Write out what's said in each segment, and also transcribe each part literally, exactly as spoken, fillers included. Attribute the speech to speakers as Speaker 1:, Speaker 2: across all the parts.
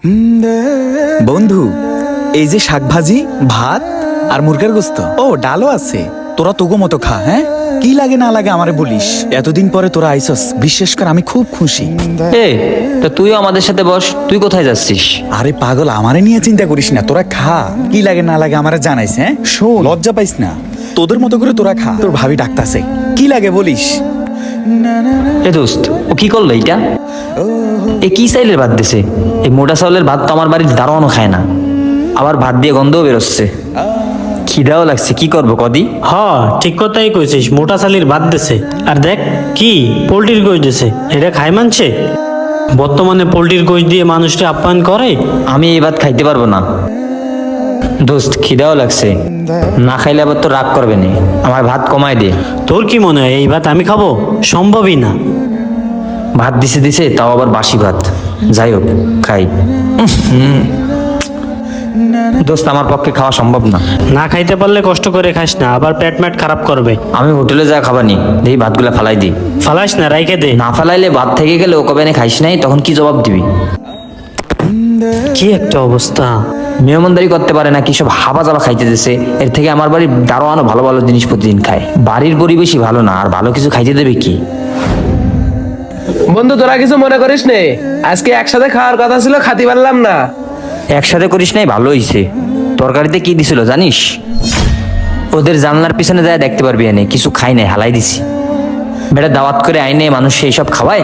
Speaker 1: বন্ধু, এই যে শাক ভাজি, ভাত আর মুরগির গোস্ত, ও ডালও আছে। তোরা তোগো মতো খা। হ্যাঁ, কি লাগে না লাগে আমারে বলিস। এতদিন পরে তোরা আইসস, বিশ্বাস কর আমি খুব খুশি।
Speaker 2: এ তো তুইও আমাদের সাথে বস। তুই কোথায় যাচ্ছিস?
Speaker 1: আরে পাগল, আমারে নিয়ে চিন্তা করিস না, তোরা খা। কি লাগে না লাগে আমারে জানাইস। হ্যাঁ শোন, লজ্জা পাইস না, তোদের মতো করে তোরা খা। তোর ভাবি ডাকতাছে, কি লাগে বলিস।
Speaker 2: এ দোস্ত, ও কি করলো এটা? এ কি চাইলের ভাত দিছে? এই মোটা চাউলের ভাত তো আমার বাড়ির দারোয়ানও খায় না, আবার ভাত দিয়ে গন্ধও বেরোচ্ছে। খিদাও লাগছে, কি করবো কদি?
Speaker 3: হ, ঠিক কথাই কইছিস। মোটা চালির ভাত দিছে, আর দেখ কি পোল্ট্রির গোশ দিছে। এটা খাই মানছে? বর্তমানে পোল্ট্রির গোশ দিয়ে মানুষকে আপ্যায়ন করে?
Speaker 2: আমি এই ভাত খাইতে পারবো না দোস্ত, খিদাও লাগছে। না খাইলে আবার তো রাগ করবে না, আমার ভাত কমায় দে।
Speaker 3: তোর কি মনে হয় এই ভাত আমি খাবো? সম্ভবই না।
Speaker 2: ভাত দিছে দিছে, তাও আবার বাসি ভাত। যাই হোক, খাই। দোস্ত, আমার পক্ষে খাওয়া সম্ভব না।
Speaker 3: না খাইতে পারলে কষ্ট করে খাস না, আবার পেট ম্যাট খারাপ করবে।
Speaker 2: আমি হোটেলে যা খাবানি, দেখি ভাতগুলা ফালাই দিই।
Speaker 3: ফালাইস না, রাইখে দে।
Speaker 2: না ফালাইলে ভাত থেকে গেলে ও কবে খাইস নাই, তখন কি জবাব দিবি?
Speaker 3: কি একটা অবস্থা!
Speaker 2: মেহমানদারি করতে পারে না, কি সব হাবা জাবা খাইতে দিছে। এর থেকে আমার বাড়ির দারোয়ানও ভালো ভালো জিনিস প্রতিদিন খায়। বাড়ির পরিবেশই ভালো না, আর ভালো কিছু খাইতে দেবে কি?
Speaker 4: বন্ধু, তোরা কিছু মনে করিস নে, আজকে একসাথে খাওয়ার কথা ছিল, খাতি পারলাম না।
Speaker 2: একসাথে করিস নাই, ভালো হইছে। তরকারিতে কি দিছিল জানিস? ওদের জানলার পিছনে যায় দেখতে পারবি, এনে কিছু খাই নাই, হালাই দিছি। বেটা দাওয়াত করে আইনে মানুষ সেই সব খাওয়ায়।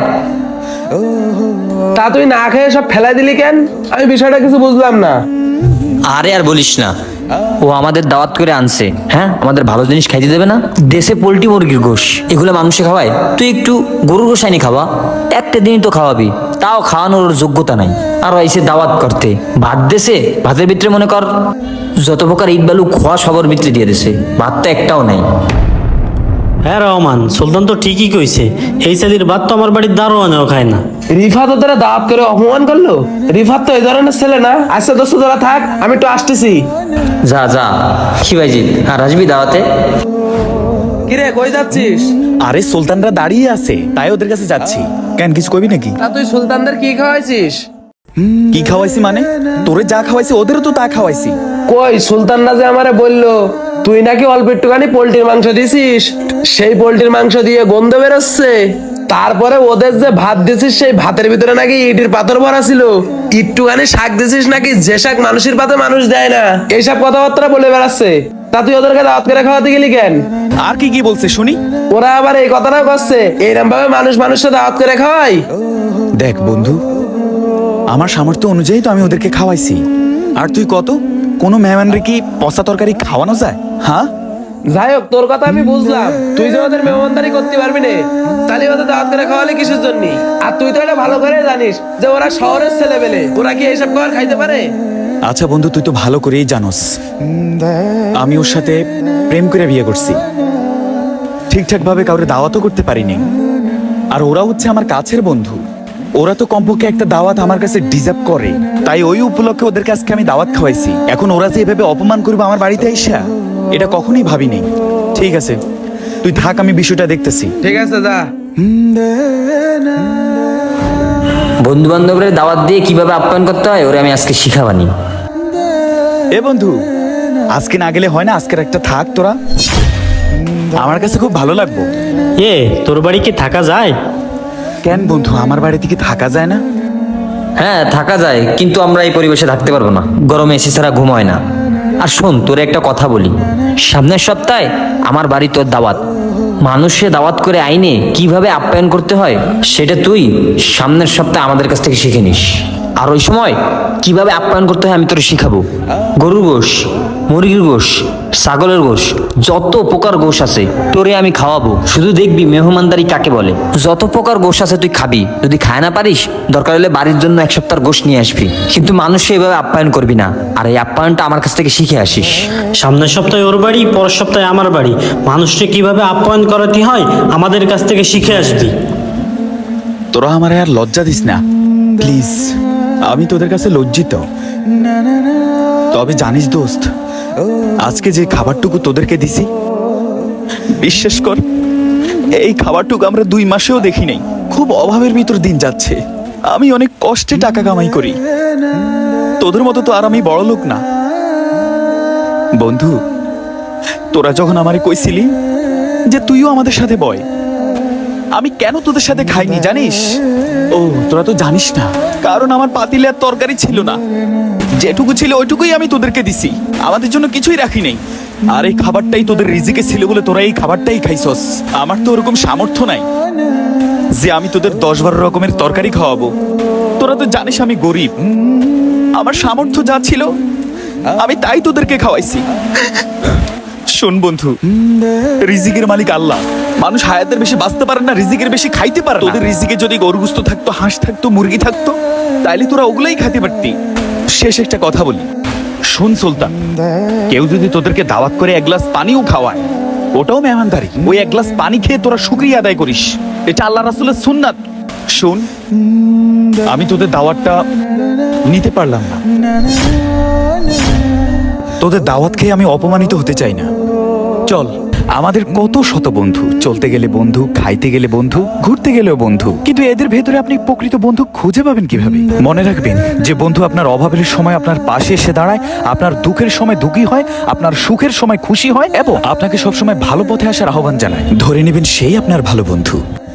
Speaker 4: তা তুই না খেয়ে সব ফেলাই দিলি কেন? আমি বিষয়টা কিছু বুঝলাম না।
Speaker 2: আরে আর বলিস না, ও আমাদের দাওয়াত করে আনছে, হ্যাঁ আমাদের ভালো জিনিস খাইতে দেবে না? দেশে পোল্ট্রি মুরগির গোশ এগুলো মানুষে খাওয়ায়, তুই একটু গরুর গোশ আইনি খাওয়া। একটা দিনই তো খাওয়াবি, তাও খাওয়ানোর যোগ্যতা নাই। আর আইসে দাওয়াত করতে, ভাত দেশে, ভাতের ভিতরে মনে কর যত প্রকার ইট বালু খোয়া সবার ভিতরে দিয়ে দিছে, ভাতটা একটাও নাই।
Speaker 3: হ্যাঁ রহমান, সুলতান তো ঠিকই কইছে। এই চালির ভাত তো আমার বাড়ির দারোয়ানেও খায় না।
Speaker 4: রিফাত ওদের দাওয়াত করে অপমান করলো? রিফাত তো এই ধরনের ছেলে না। আচ্ছা দোস্ত, তোরা থাক, আমি একটু আসতেছি।
Speaker 2: যা যা শিবাইজিৎ, আর আসবি দাওয়াতে?
Speaker 4: কিরে, কই যাচ্ছিস?
Speaker 1: আরে সুলতানরা দাঁড়িয়ে আছে, তাই ওদের কাছে যাচ্ছি। কেন, কিছু কবি নাকি?
Speaker 4: তা তুই সুলতানদের কি খাওয়াইছিস?
Speaker 1: কি খাওয়াইছি মানে? তোরে যা খাওয়াইছি ওদেরও তো তা খাওয়াইছি।
Speaker 4: কই, সুলতানরা যে আমারে বললো তুই নাকি অল্প একটুখানি পোল্ট্রির মাংস দিছিস, সেই পোল্ট্রির মাংস দিয়ে গন্ধ বেরোচ্ছে। তারপরে ওদের যে ভাত দিছিস, সেই ভাতের ভিতরে নাকি ইটের পাথর ভরা ছিল। একটুখানি শাক দিছিস নাকি, যে শাক মানুষের পাতে মানুষ দেয় না, এইসব কথাবার্তা বলে বেড়াচ্ছে। তা তুই ওদেরকে দাওয়াত করে খাওয়াতে গেলি কেন?
Speaker 1: আর কি কি বলছে শুনি?
Speaker 4: ওরা আবার এই কথাটাও করছে, এইরকম ভাবে মানুষ মানুষকে দাওয়াত করে খাওয়াই।
Speaker 1: দেখ বন্ধু, আমার সামর্থ্য অনুযায়ী তো আমি ওদেরকে খাওয়াইছি। আর তুই কত, কোনো মেহমানরে কি পচা তরকারি খাওয়ানো যায়? হ্যাঁ,
Speaker 4: যাই হোক, তোর কথা আমি বুঝলাম। তুই যে ওদের মেহমানদারি করতে পারবি না, তাহলে ওদের দাওয়াত করে খাওয়ালে কিসের জন্য? আর তুই তো এটা ভালো করে জানিস যে ওরা শহরের ছেলে পেলে, ওরা কি এইসব খাবার খাইতে পারে?
Speaker 1: আচ্ছা বন্ধু, তুই তো ভালো করেই জানোস আমি ওর সাথে প্রেম করে বিয়ে করছি। ঠিকঠাক ভাবে কাউরে দাওয়াতও করতে পারিনি। আর ওরা হচ্ছে আমার কাছের বন্ধু, ওরা তো কমপক্ষে একটা দাওয়াত আমার কাছে ডিজার্ভ করে। তাই ওই উপলক্ষে ওদের কাছে আমি দাওয়াত খাওয়াইছি। এখন ওরা যে এভাবে অপমান করবে আমার বাড়িতে আইসা, এটা কখনোই ভাবিনি। ঠিক আছে, তুই থাক, আমি বিষয়টা দেখতেছি।
Speaker 4: ঠিক আছে, যা।
Speaker 2: বন্ধু বান্ধবের দাওয়াত দিয়ে কিভাবে আপ্যায়ন করতে হয় ওরে আমি আজকে শিখাবানি।
Speaker 1: এ বন্ধু, আজকে না গেলে হয় না? আজকের একটা থাক তোরা, আমার কাছে খুব ভালো লাগবো।
Speaker 3: এ তোর বাড়ি কি থাকা যায়?
Speaker 1: কেন বন্ধু, আমার বাড়িতে কি থাকা যায় না?
Speaker 2: হ্যাঁ থাকা যায়, কিন্তু আমরা এই পরিবেশে থাকতে পারবো না, গরমে এসি ছাড়া ঘুম হয় না। আর শোন, তোরে একটা কথা বলি, সামনের সপ্তাহে আমার বাড়ি তোর দাওয়াত। মানুষে দাওয়াত করে আইনে কিভাবে আপ্যায়ন করতে হয় সেটা তুই সামনের সপ্তাহে আমাদের কাছ থেকে শিখে নিস। আর ওই সময় কিভাবে আপ্যায়ন করতে হয় আমি তোর শিখাবো। গরুর গোশ, মুরগির গোশ, ছাগলের গোশ, যত প্রকার গোশ আছে তোরে আমি খাওয়াবো। শুধু দেখবি মেহমানদারি কাকে বলে। যত প্রকার গোশ আছে তুই খাবি, যদি খায় না পারিস দরকার হলে বাড়ির জন্য এক সপ্তাহ গোশ নিয়ে আসবি, কিন্তু মানুষকে এভাবে আপ্যায়ন করবি না। আর এই আপ্যায়নটা আমার কাছ থেকে শিখে আসিস।
Speaker 3: সামনের সপ্তাহে ওর বাড়ি, পরের সপ্তাহে আমার বাড়ি। মানুষকে কিভাবে আপ্যায়ন করাতে হয় আমাদের কাছ থেকে শিখে আসবি।
Speaker 1: তোরা আমার আর লজ্জা দিস না প্লিজ, আমি তোদের কাছে লজ্জিত। তবে জানিস দোস্ত, আজকে যে খাবারটুকু তোদেরকে দিছি, বিশ্বাস কর এই খাবারটুকু আমরা দুই মাসেও দেখি নাই। খুব অভাবের ভিতর দিন যাচ্ছে, আমি অনেক কষ্টে টাকা কামাই করি, তোদের মতো তো আর আমি বড় লোক না। বন্ধু, তোরা যখন আমারে কইছিলি যে তুইও আমাদের সাথে বয়, আমি কেন তোদের সাথে খাইনি জানিস? ও তোরা তো জানিস না, কারণ আমার পাতিলে আর তরকারি ছিল না। যেটুকু ছিল ওইটুকুই আমি তোদেরকে দিছি, আমাদের জন্য কিছুই রাখি নাই। আর এই খাবারটাই তোদের রিজিকে ছিল বলে তোরা এই খাবারটাই খাইছস। আমার তো ওরকম সামর্থ্য নাই যে আমি তোদের দশ বারো রকমের তরকারি খাওয়াবো। তোরা তো জানিস আমি গরিব, আমার সামর্থ্য যা ছিল আমি তাই তোদেরকে খাওয়াইছি। শোন বন্ধু, রিজিকের মালিক আল্লাহ। মানুষ হায়াতের বেশি বাঁচতে পারে না, রিজিকের বেশি খাইতে পারে না। তোদের রিজিকে যদি গরুগুস্ত থাকতো, হাঁস থাকতো, মুরগি থাকতো, তাইলে তোরা ওগুলাই খাইতে পারতি। শেষ একটা কথা বলি, শোন সুলতান, কেউ যদি তোদেরকে দাওয়াত করে এক গ্লাস পানিও খাওয়ায়, ওটাও মেহমানদারি। ওই এক গ্লাস পানি খেয়ে তোরা শুকরিয়া আদায় করিস, এটা আল্লাহ রাসূলের সুন্নাত। শোন, আমি তোদের দাওয়াতটা নিতে পারলাম না, তোদের দাওয়াত খেয়ে আমি অপমানিত হতে চাই না। চল, আমাদের কত শত বন্ধু, চলতে গেলে বন্ধু, খাইতে গেলে বন্ধু, ঘুরতে গেলেও বন্ধু, কিন্তু এদের ভেতরে আপনি প্রকৃত বন্ধু খুঁজে পাবেন কিভাবে? মনে রাখবেন যে বন্ধু আপনার অভাবের সময় আপনার পাশে এসে দাঁড়ায়, আপনার দুঃখের সময় দুঃখী হয়, আপনার সুখের সময় খুশি হয় এবং আপনাকে সবসময় ভালো পথে আসার আহ্বান জানায়। ধরে নেবেন সেই আপনার ভালো বন্ধু।